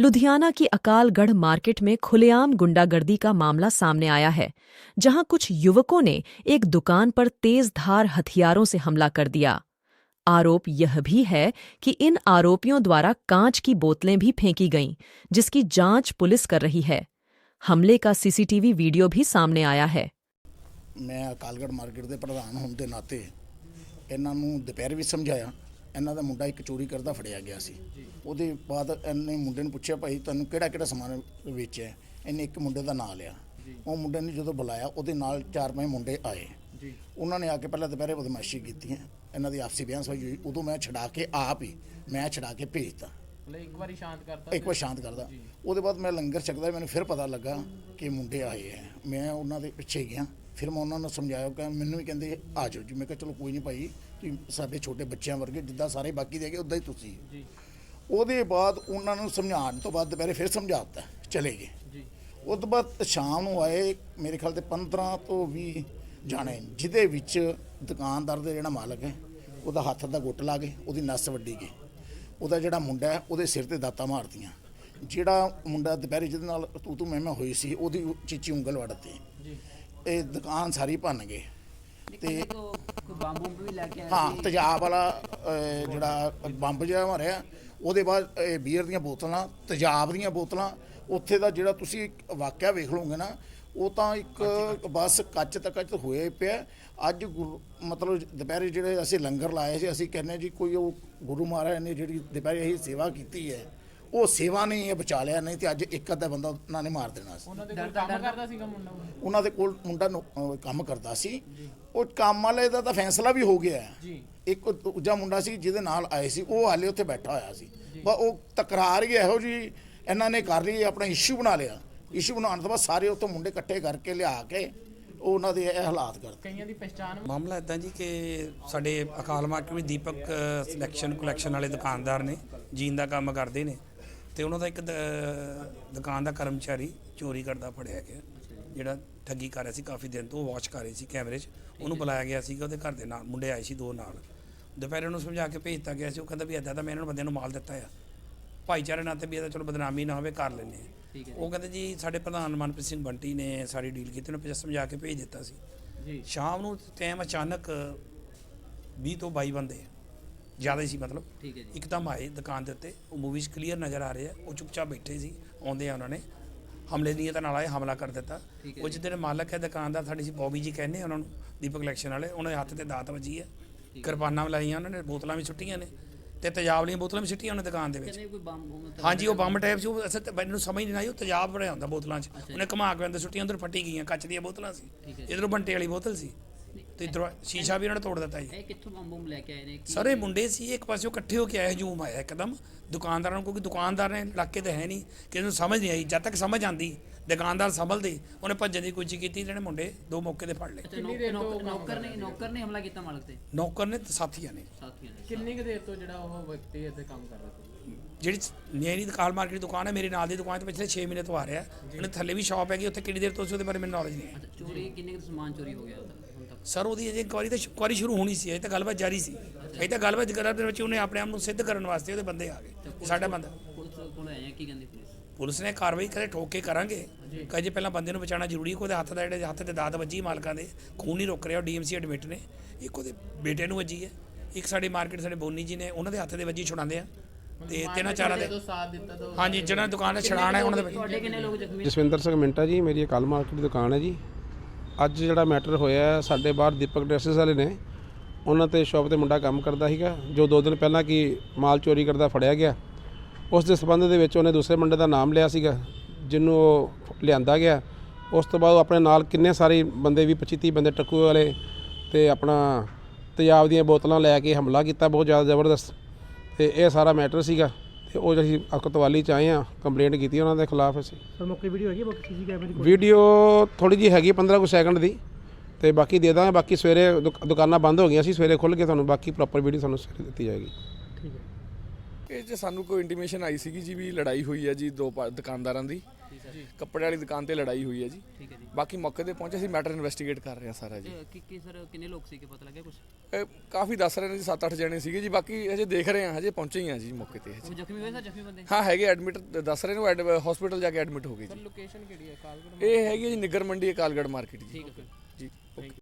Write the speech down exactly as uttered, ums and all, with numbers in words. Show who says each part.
Speaker 1: लुधियाना की अकालगढ़ मार्केट में खुलेआम गुंडागर्दी का मामला सामने आया है, जहां कुछ युवकों ने एक दुकान पर तेज धार हथियारों से हमला कर दिया। आरोप यह भी है कि इन आरोपियों द्वारा कांच की बोतलें भी फेंकी गईं, जिसकी जांच पुलिस कर रही है। हमले का सीसीटीवी वीडियो भी सामने आया है।
Speaker 2: मैं अकालगढ़ मार्केट के प्रधान होने के नाते इन्हां नूं दोपहर भी समझाया। इन्हां दा मुंडा एक चोरी करदा फड़िया गया सी। ਉਹਦੇ ਬਾਅਦ ਇਹਨੇ ਮੁੰਡੇ ਨੂੰ ਪੁੱਛਿਆ ਭਾਈ ਤੁਹਾਨੂੰ ਕਿਹੜਾ ਕਿਹੜਾ ਸਮਾਨ ਵੇਚਿਆ। ਇਹਨੇ ਇੱਕ ਮੁੰਡੇ ਦਾ ਨਾਂ ਲਿਆ। ਉਹ ਮੁੰਡੇ ਨੇ ਜਦੋਂ ਬੁਲਾਇਆ ਉਹਦੇ ਨਾਲ ਚਾਰ ਪੰਜ ਮੁੰਡੇ ਆਏ। ਉਹਨਾਂ ਨੇ ਆ ਕੇ ਪਹਿਲਾਂ ਦੁਪਹਿਰੇ ਬਦਮਾਸ਼ੀ ਕੀਤੀ। ਇਹਨਾਂ ਦੀ ਆਪਸੀ ਬਿਆਨ ਸਵਾਈ ਹੋਈ। ਉਦੋਂ ਮੈਂ ਛਡਾ ਕੇ ਆਪ ਹੀ ਮੈਂ ਛਡਾ ਕੇ ਭੇਜਤਾ।
Speaker 3: ਇੱਕ ਵਾਰੀ ਸ਼ਾਂਤ ਕਰਤਾ
Speaker 2: ਇੱਕ ਵਾਰ ਸ਼ਾਂਤ ਕਰਦਾ। ਉਹਦੇ ਬਾਅਦ ਮੈਂ ਲੰਗਰ ਛਕਦਾ ਮੈਨੂੰ ਫਿਰ ਪਤਾ ਲੱਗਾ ਕਿ ਮੁੰਡੇ ਆਏ ਹੈ। ਮੈਂ ਉਹਨਾਂ ਦੇ ਪਿੱਛੇ ਗਿਆ। ਫਿਰ ਮੈਂ ਉਹਨਾਂ ਨੂੰ ਸਮਝਾਇਆ ਕਿ ਮੈਨੂੰ ਵੀ ਕਹਿੰਦੇ ਆ ਜਾਓ ਜੀ। ਮੈਂ ਕਿਹਾ ਚਲੋ ਕੋਈ ਨਹੀਂ ਭਾਈ ਤੁਸੀਂ ਸਾਡੇ ਛੋਟੇ ਬੱਚਿਆਂ ਵਰਗੇ ਜਿੱਦਾਂ ਸਾਰੇ ਬਾਕੀ ਦੇ ਗਏ ਉੱਦਾਂ ਹੀ ਤੁਸੀਂ। ਉਹਦੇ ਬਾਅਦ ਉਹਨਾਂ ਨੂੰ ਸਮਝਾਉਣ ਤੋਂ ਬਾਅਦ ਦੁਪਹਿਰੇ ਫਿਰ ਸਮਝਾ ਦਿੱਤਾ ਚਲੇ ਗਏ। ਉਸ ਤੋਂ ਬਾਅਦ ਸ਼ਾਮ ਨੂੰ ਆਏ ਮੇਰੇ ਖਿਆਲ ਤੇ ਪੰਦਰਾਂ ਤੋਂ ਵੀਹ ਜਾਣੇ, ਜਿਹਦੇ ਵਿੱਚ ਦੁਕਾਨਦਾਰ ਦਾ ਜਿਹੜਾ ਮਾਲਕ ਹੈ ਉਹਦਾ ਹੱਥ ਦਾ ਗੁੱਟ ਲਾ ਗਏ, ਉਹਦੀ ਨਸ ਵੱਢੀ ਗਈ। ਉਹਦਾ ਜਿਹੜਾ ਮੁੰਡਾ ਹੈ ਉਹਦੇ ਸਿਰ ਤੇ ਦਾਤਾਂ ਮਾਰਤੀਆਂ। ਜਿਹੜਾ ਮੁੰਡਾ ਦੁਪਹਿਰੇ ਜਿਹਦੇ ਨਾਲ ਤੂੰ ਤੂੰ ਮੈਂ ਮੈਂ ਹੋਈ ਸੀ ਉਹਦੀ ਚੀਚੀ ਉਂਗਲ ਵੱਢਤੀ। ਇਹ ਦੁਕਾਨ ਸਾਰੀ ਭੰਨ ਗਏ। ਤੇ ਹਾਂ ਤੇਜ਼ਾਬ ਵਾਲਾ ਜਿਹੜਾ ਬੰਬ ਜਿਹਾ ਮਾਰਿਆ। ਉਹਦੇ ਬਾਅਦ ਇਹ ਬੀਅਰ ਦੀਆਂ ਬੋਤਲਾਂ, ਤੇਜ਼ਾਬ ਦੀਆਂ ਬੋਤਲਾਂ। ਉੱਥੇ ਦਾ ਜਿਹੜਾ ਤੁਸੀਂ ਵਾਕਿਆ ਵੇਖ ਲਓਗੇ ਨਾ ਉਹ ਤਾਂ ਇੱਕ ਬਸ ਕੱਚ ਤੱਕ ਕੱਚ ਹੋਏ ਪਿਆ। ਅੱਜ ਮਤਲਬ ਦੁਪਹਿਰੇ ਜਿਹੜੇ ਅਸੀਂ ਲੰਗਰ ਲਾਏ ਸੀ, ਅਸੀਂ ਕਹਿੰਦੇ ਜੀ ਕੋਈ ਉਹ ਗੁਰੂ ਮਹਾਰਾਜ ਨੇ ਜਿਹੜੀ ਦੁਪਹਿਰੇ ਅਸੀਂ ਸੇਵਾ ਕੀਤੀ ਹੈ ਉਹ ਸੇਵਾ ਨੇ ਇਹ ਬਚਾ ਲਿਆ, ਨਹੀਂ ਤੇ ਅੱਜ ਇੱਕ ਅੱਧਾ ਬੰਦਾ ਉਹਨਾਂ ਨੇ ਮਾਰ ਦੇਣਾ ਸੀ।
Speaker 3: ਉਹਨਾਂ ਦੇ ਕੋਲ ਕੰਮ ਕਰਦਾ ਸੀਗਾ ਮੁੰਡਾ।
Speaker 2: ਉਹਨਾਂ ਦੇ ਕੋਲ ਮੁੰਡਾ ਕੰਮ ਕਰਦਾ ਸੀ। ਉਹ ਕੰਮ ਵਾਲੇ ਦਾ ਤਾਂ ਫੈਸਲਾ ਵੀ ਹੋ ਗਿਆ। ਇੱਕ ਦੂਜਾ ਮੁੰਡਾ ਸੀ ਜਿਹਦੇ ਨਾਲ ਆਏ ਸੀ, ਉਹ ਹਾਲੇ ਉੱਥੇ ਬੈਠਾ ਹੋਇਆ ਸੀ। ਬਸ ਉਹ ਤਕਰਾਰ ਹੀ ਇਹੋ ਜੀ ਇਹਨਾਂ ਨੇ ਕਰ ਲਈ, ਆਪਣਾ ਇਸ਼ੂ ਬਣਾ ਲਿਆ। ਇਸ਼ੂ ਬਣਾਉਣ ਤੋਂ ਬਾਅਦ ਸਾਰੇ ਉੱਥੋਂ ਮੁੰਡੇ ਇਕੱਠੇ ਕਰਕੇ ਲਿਆ ਕੇ ਉਹਨਾਂ ਦੇ ਇਹ ਹਾਲਾਤ ਕਰ
Speaker 3: ਕਈਆਂ ਦੀ ਪਛਾਣ।
Speaker 4: ਮਾਮਲਾ ਇੱਦਾਂ ਜੀ ਕਿ ਸਾਡੇ ਅਕਾਲ ਮਾਰਕੀਟ ਵਿੱਚ ਦੀਪਕ ਸਿਲੈਕਸ਼ਨ ਕਲੈਕਸ਼ਨ ਵਾਲੇ ਦੁਕਾਨਦਾਰ ਨੇ, ਜੀਨ ਦਾ ਕੰਮ ਕਰਦੇ ਨੇ, ਤੇ ਉਹਨਾਂ ਦਾ ਇੱਕ ਦੁਕਾਨ ਦਾ ਕਰਮਚਾਰੀ ਚੋਰੀ ਕਰਦਾ ਫੜਿਆ ਗਿਆ, ਜਿਹੜਾ ਠੱਗੀ ਕਰ ਰਿਹਾ ਸੀ ਕਾਫੀ ਦਿਨ ਤੋਂ। ਉਹ ਵਾਚ ਕਰ ਰਹੀ ਸੀ ਕੈਮਰੇ 'ਚ। ਉਹਨੂੰ ਬੁਲਾਇਆ ਗਿਆ ਸੀਗਾ, ਉਹਦੇ ਘਰ ਦੇ ਨਾਲ ਮੁੰਡੇ ਆਏ ਸੀ ਦੋ ਨਾਲ। ਦੁਪਹਿਰੇ ਉਹਨੂੰ ਸਮਝਾ ਕੇ ਭੇਜ ਦਿੱਤਾ ਗਿਆ ਸੀ। ਉਹ ਕਹਿੰਦਾ ਵੀ ਇੱਦਾਂ ਤਾਂ ਮੈਂ ਇਹਨਾਂ ਨੂੰ ਬੰਦਿਆਂ ਨੂੰ ਮਾਲ ਦਿੱਤਾ ਆ, ਭਾਈਚਾਰੇ ਨਾਤੇ ਵੀ ਇਹਦਾ ਚਲੋ ਬਦਨਾਮੀ ਨਾ ਹੋਵੇ, ਕਰ ਲੈਂਦੇ ਆ। ਉਹ ਕਹਿੰਦੇ ਜੀ ਸਾਡੇ ਪ੍ਰਧਾਨ ਮਨਪ੍ਰੀਤ ਸਿੰਘ ਬੰਟੀ ਨੇ ਸਾਰੀ ਡੀਲ ਕੀਤੀ, ਉਹਨੂੰ ਸਮਝਾ ਕੇ ਭੇਜ ਦਿੱਤਾ ਸੀ। ਸ਼ਾਮ ਨੂੰ ਟਾਈਮ ਅਚਾਨਕ ਵੀਹ ਤੋਂ ਬਾਈ ਬੰਦੇ ਜ਼ਿਆਦਾ ਹੀ ਸੀ, ਮਤਲਬ ਇੱਕਦਮ ਆਏ ਦੁਕਾਨ ਦੇ ਉੱਤੇ। ਉਹ ਮੂਵੀਜ਼ ਕਲੀਅਰ ਨਜ਼ਰ ਆ ਰਹੇ ਆ। ਉਹ ਚੁੱਪਚਾਪ ਬੈਠੇ ਸੀ। ਆਉਂਦੇ ਆ ਉਹਨਾਂ ਨੇ ਹਮਲੇ ਨੀਅਤ ਨਾਲ ਆਏ, ਹਮਲਾ ਕਰ ਦਿੱਤਾ। ਉਹ ਜਿਹਦੇ ਮਾਲਕ ਹੈ ਦੁਕਾਨ ਦਾ, ਸਾਡੀ ਸੀ ਬੌਬੀ ਜੀ ਕਹਿੰਦੇ ਉਹਨਾਂ ਨੂੰ, ਦੀਪਕ ਕਲੈਕਸ਼ਨ ਵਾਲੇ। ਉਹਨਾਂ ਦੇ ਹੱਥ ਤੇ ਦਾਤ ਵੱਜੀ ਹੈ, ਕਿਰਪਾਨਾਂ ਲਾਈਆਂ ਉਹਨਾਂ ਨੇ, ਬੋਤਲਾਂ ਵੀ ਸੁੱਟੀਆਂ ਨੇ ਤੇ ਤੇਜ਼ਾਬ ਵਾਲੀਆਂ ਬੋਤਲਾਂ ਵੀ ਸੁੱਟੀਆਂ ਉਹਨੇ ਦੁਕਾਨ ਦੇ ਵਿੱਚ। ਹਾਂਜੀ ਉਹ ਬੰਬ ਟਾਈਪ ਸੀ। ਉਹ ਅਸਲ ਮੈਨੂੰ ਸਮਝ ਨਹੀਂ ਆਈ, ਉਹ ਤੇਜ਼ਾਬ ਬਣਿਆ ਹੁੰਦਾ ਬੋਤਲਾਂ 'ਚ। ਉਹਨੇ ਘੁਮਾ ਕੇ ਅੰਦਰ ਸੁੱਟੀਆਂ, ਉੱਧਰ ਫੱਟੀ ਗਈਆਂ। ਕੱਚ ਦੀਆਂ ਬੋਤਲਾਂ ਸੀ, ਇੱਧਰੋਂ ਬੰਟੇ ਵਾਲੀ ਬੋਤਲ ਸੀ, ਤੇ ਇੱਧਰੋਂ ਸ਼ੀਸ਼ਾ ਵੀ ਉਹਨਾਂ ਨੇ ਤੋੜ ਦਿੱਤਾ ਜੀ।
Speaker 5: ਇਹ ਕਿੱਥੋਂ ਬੰਬ ਬੰਬ ਲੈ ਕੇ ਆਏ ਨੇ?
Speaker 4: ਸਾਰੇ ਮੁੰਡੇ ਸੀ, ਇੱਕ ਪਾਸੇ ਇਕੱਠੇ ਹੋ ਕੇ ਆਏ। ਹਜੂਮ ਆਇਆ ਇੱਕਦਮ ਦੁਕਾਨਦਾਰਾਂ ਨੂੰ, ਕਿਉਂਕਿ ਦੁਕਾਨਦਾਰ ਨੇ ਇਲਾਕੇ ਤੇ ਹੈ ਨਹੀਂ, ਕਿਸੇ ਨੂੰ ਸਮਝ ਨਹੀਂ ਆਈ। ਜਦ ਤੱਕ ਸਮਝ ਆਉਂਦੀ ਦੁਕਾਨਦਾਰ ਸੰਭਲਦੇ, ਉਹਨੇ ਭੱਜਣ ਦੀ ਕੋਸ਼ਿਸ਼ ਕੀਤੀ। ਜਿਹੜੇ ਮੁੰਡੇ ਦੋ ਮੌਕੇ ਤੇ ਫੜ ਲਏ।
Speaker 5: ਨੌਕਰ ਨੇ ਨੌਕਰ ਨੇ ਹਮਲਾ ਕੀਤਾ ਮਾਲਕ ਤੇ?
Speaker 4: ਨੌਕਰ ਨੇ ਤੇ ਸਾਥੀਆਂ ਨੇ।
Speaker 3: ਕਿੰਨੀ ਕੁ ਦੇਰ ਤੋਂ ਜਿਹੜਾ ਉਹ ਵਿਅਕਤੀ ਇੱਥੇ ਕੰਮ ਕਰ ਰਿਹਾ ਸੀ?
Speaker 4: ਜਿਹੜੀ ਮੇਰੀ ਅਕਾਲ ਮਾਰਕੀਟ ਦੀ ਦੁਕਾਨ ਹੈ, ਮੇਰੇ ਨਾਲ ਦੀ ਦੁਕਾਨ ਤੇ ਪਿਛਲੇ ਛੇ ਮਹੀਨੇ ਤੋਂ ਆ ਰਿਹਾ। ਉਹਨੇ ਥੱਲੇ ਵੀ ਸ਼ਾਪ ਹੈਗੀ, ਉੱਥੇ ਕਿੰਨੀ ਦੇਰ ਤੋਂ ਸੀ ਉਹਦੇ ਬਾਰੇ ਮੈਨੂੰ ਨੌਲੇਜ ਨਹੀਂ ਹੈ।
Speaker 5: ਚੋਰੀ ਕਿੰਨੇ ਕੁ ਸਮਾਨ ਚੋਰੀ ਹੋ ਗਿਆ ਹੁਣ ਤੱਕ?
Speaker 4: ਸਰ ਉਹਦੀ ਅਜੇ ਇਨਕੁਆਰੀ ਤਾਂ ਇਨਕੁਆਰੀ ਸ਼ੁਰੂ ਹੋਣੀ ਸੀ, ਅਜੇ ਤਾਂ ਗੱਲਬਾਤ ਜਾਰੀ ਸੀ। ਅਜੇ ਤਾਂ ਗੱਲਬਾਤ ਕਰਨ ਦੇ ਵਿੱਚ ਉਹਨੇ ਆਪਣੇ ਆਪ ਨੂੰ ਸਿੱਧ ਕਰਨ ਵਾਸਤੇ ਉਹਦੇ ਬੰਦੇ ਆ ਗਏ। ਸਾਡਾ ਬੰਦਾ
Speaker 5: ਪੁਲਿਸ ਕੋਲ ਆਇਆ, ਕੀ ਕਹਿੰਦੀ ਪੁਲਿਸ?
Speaker 4: ਪੁਲਿਸ ਨੇ ਕਾਰਵਾਈ ਕਰੇ, ਠੋਕ ਕੇ ਕਰਾਂਗੇ। ਕਹੇ ਪਹਿਲਾਂ ਬੰਦੇ ਨੂੰ ਬਚਾਉਣਾ ਜ਼ਰੂਰੀ। ਉਹਦੇ ਹੱਥ ਦਾ ਜਿਹੜੇ ਹੱਥ ਤੇ ਦਾਤ ਵੱਜੀ ਮਾਲਕਾਂ ਦੇ, ਖੂਨ ਨਹੀਂ ਰੁਕ ਰਿਹਾ। ਉਹ ਡੀਐਮਸੀ ਐਡਮਿਟ ਨੇ। ਇੱਕ ਉਹਦੇ ਬੇਟੇ ਨੂੰ ਵੱਜੀ ਹੈ, ਇੱਕ ਸਾਡੀ ਮਾਰਕੀਟ ਸਾਡੇ ਬੋਨੀ ਜੀ ਨੇ, ਉਹਨਾਂ ਦੇ ਹੱਥ ਦੇ ਵੱਜੀ ਛੁਡਾਉਂਦੇ ਆ। ਤੇ ਤਿੰਨਾਂ ਚਾਰਾਂ ਦੇ ਹਾਂਜੀ ਜਿਹਨਾਂ ਦੁਕਾਨ ਦਾ ਛੜਾਣਾ ਹੈ ਉਹਨਾਂ ਦੇ ਵਿੱਚ।
Speaker 5: ਤੁਹਾਡੇ ਕਿੰਨੇ ਲੋਕ ਜ਼ਖਮੀ?
Speaker 6: ਜਸਵਿੰਦਰ ਸਿੰਘ ਮਿੰਟਾ ਜੀ, ਮੇਰੀ ਅਕਾਲ ਮਾਰਕੀਟ ਦੀ ਦੁਕਾਨ ਹੈ ਜੀ। ਅੱਜ ਜਿਹੜਾ ਮੈਟਰ ਹੋਇਆ, ਸਾਡੇ ਬਾਹਰ ਦੀਪਕ ਡਰੈਸਿਸ ਵਾਲੇ ਨੇ, ਉਹਨਾਂ 'ਤੇ ਸ਼ੌਪ 'ਤੇ ਮੁੰਡਾ ਕੰਮ ਕਰਦਾ ਸੀਗਾ, ਜੋ ਦੋ ਦਿਨ ਪਹਿਲਾਂ ਕੀ ਮਾਲ ਚੋਰੀ ਕਰਦਾ ਫੜਿਆ ਗਿਆ। ਉਸ ਦੇ ਸੰਬੰਧ ਦੇ ਵਿੱਚ ਉਹਨੇ ਦੂਸਰੇ ਮੁੰਡੇ ਦਾ ਨਾਮ ਲਿਆ ਸੀਗਾ, ਜਿਹਨੂੰ ਉਹ ਲਿਆਂਦਾ ਗਿਆ। ਉਸ ਤੋਂ ਬਾਅਦ ਆਪਣੇ ਨਾਲ ਕਿੰਨੇ ਸਾਰੇ ਬੰਦੇ ਵੀ ਪੱਚੀ ਤੀਹ ਬੰਦੇ ਟੱਕੂ ਵਾਲੇ ਤੇ ਆਪਣਾ ਤੇਜ਼ਾਬ ਦੀਆਂ ਬੋਤਲਾਂ ਲੈ ਕੇ ਹਮਲਾ ਕੀਤਾ, ਬਹੁਤ ਜ਼ਿਆਦਾ ਜ਼ਬਰਦਸਤ। ਤੇ ਇਹ ਸਾਰਾ ਮੈਟਰ ਸੀਗਾ। ਤੇ ਉਹ ਅਸੀਂ ਅਕਤਵਾਲੀ 'ਚ ਆਏ ਹਾਂ, ਕੰਪਲੇਂਟ ਕੀਤੀ ਉਹਨਾਂ ਦੇ ਖਿਲਾਫ ਅਸੀਂ।
Speaker 7: ਸਰ ਮੌਕੇ ਵੀਡੀਓ ਹੈਗੀ, ਬਾਕੀ ਸੀਸੀ ਕੈਮਰੇ ਦੀ
Speaker 6: ਵੀਡੀਓ ਥੋੜ੍ਹੀ ਜਿਹੀ ਹੈਗੀ ਪੰਦਰਾਂ ਕੁ ਸੈਕਿੰਡ ਦੀ, ਤੇ ਬਾਕੀ ਦੇ ਦਾਂਗੇ। ਬਾਕੀ ਸਵੇਰੇ ਦੁਕਾਨਾਂ ਬੰਦ ਹੋ ਗਈਆਂ ਸੀ, ਸਵੇਰੇ ਖੁੱਲ੍ਹ ਕੇ ਤੁਹਾਨੂੰ ਬਾਕੀ ਪ੍ਰੋਪਰ ਵੀਡੀਓ ਤੁਹਾਨੂੰ ਸਵੇਰੇ ਦਿੱਤੀ ਜਾਏਗੀ।
Speaker 7: ਠੀਕ ਹੈ।
Speaker 8: ਇਹ 'ਚ ਸਾਨੂੰ ਕੋਈ ਇੰਟੀਮੇਸ਼ਨ ਆਈ ਸੀਗੀ ਜੀ ਵੀ ਲੜਾਈ ਹੋਈ ਹੈ ਜੀ ਦੋ ਪਾ- ਦੁਕਾਨਦਾਰਾਂ ਦੀ ਕੱਪੜੇ ਵਾਲੀ ਦੁਕਾਨ ਤੇ ਲੜਾਈ ਹੋਈ ਹੈ ਜੀ।
Speaker 5: ਠੀਕ ਹੈ ਜੀ
Speaker 8: ਬਾਕੀ ਮੌਕੇ ਤੇ ਪਹੁੰਚੇ ਸੀ, ਮੈਟਰ ਇਨਵੈਸਟੀਗੇਟ ਕਰ ਰਹੇ ਹਾਂ ਸਾਰਾ ਜੀ।
Speaker 5: ਤੇ ਕੀ ਕੀ ਸਰ ਕਿੰਨੇ ਲੋਕ ਸੀ ਕਿ ਪਤਾ ਲੱਗਿਆ ਕੁਝ?
Speaker 8: ਇਹ ਕਾਫੀ ਦੱਸ ਰਹੇ ਨੇ ਜੀ, ਸੱਤ ਅੱਠ ਜਣੇ ਸੀਗੇ ਜੀ। ਬਾਕੀ ਹਜੇ ਦੇਖ ਰਹੇ ਹਾਂ, ਹਜੇ ਪਹੁੰਚੇ ਹੀ ਹਾਂ ਜੀ ਮੌਕੇ ਤੇ
Speaker 5: ਉਹ
Speaker 8: ਹਜੇ।
Speaker 5: ਜ਼ਖਮੀ ਹੋਏ ਸਰ ਜ਼ਖਮੀ ਬੰਦੇ?
Speaker 8: ਹਾਂ ਹੈਗੇ ਐਡਮਿਟ, ਦੱਸ ਰਹੇ ਨੇ ਉਹ ਹਸਪੀਟਲ ਜਾ ਕੇ ਐਡਮਿਟ ਹੋ ਗਏ ਜੀ।
Speaker 3: ਲੋਕੇਸ਼ਨ ਕਿਹੜੀ ਹੈ? ਕਾਲਗੜ੍ਹ
Speaker 8: ਇਹ ਹੈਗੀ ਹੈ ਜੀ ਨਿੱਗਰ ਮੰਡੀ ਅਕਾਲਗੜ੍ਹ ਮਾਰਕੀਟ ਜੀ।
Speaker 5: ਠੀਕ ਹੈ ਸਰ।
Speaker 8: ਜੀ ਓਕੇ।